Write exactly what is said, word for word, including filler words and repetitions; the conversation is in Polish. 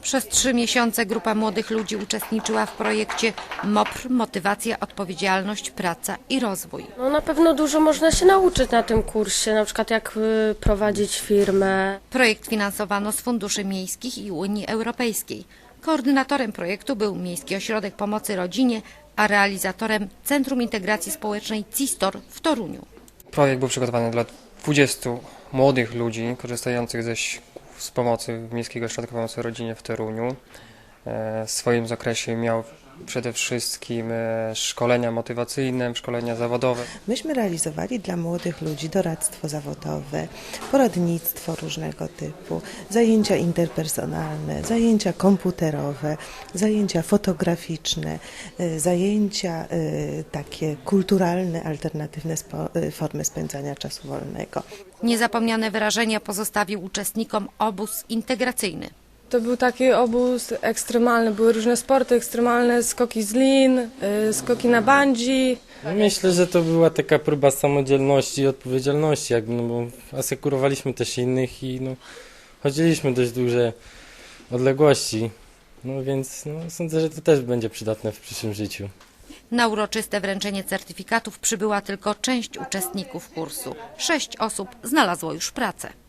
Przez trzy miesiące grupa młodych ludzi uczestniczyła w projekcie M O P R – Motywacja, Odpowiedzialność, Praca i Rozwój. No na pewno dużo można się nauczyć na tym kursie, na przykład jak y, prowadzić firmę. Projekt finansowano z funduszy miejskich i Unii Europejskiej. Koordynatorem projektu był Miejski Ośrodek Pomocy Rodzinie, a realizatorem Centrum Integracji Społecznej CISTOR w Toruniu. Projekt był przygotowany dla dwudziestu młodych ludzi korzystających ze, z pomocy Miejskiego Ośrodka Pomocy Rodzinie w Toruniu. W swoim zakresie miał przede wszystkim szkolenia motywacyjne, szkolenia zawodowe. Myśmy realizowali dla młodych ludzi doradztwo zawodowe, poradnictwo różnego typu, zajęcia interpersonalne, zajęcia komputerowe, zajęcia fotograficzne, zajęcia takie kulturalne, alternatywne formy spędzania czasu wolnego. Niezapomniane wyrażenia pozostawił uczestnikom obóz integracyjny. To był taki obóz ekstremalny, były różne sporty ekstremalne, skoki z lin, y, skoki na bungee. Myślę, że to była taka próba samodzielności i odpowiedzialności, jak, no bo asekurowaliśmy też innych i no, chodziliśmy dość duże odległości, no więc no, sądzę, że to też będzie przydatne w przyszłym życiu. Na uroczyste wręczenie certyfikatów przybyła tylko część uczestników kursu. Sześć osób znalazło już pracę.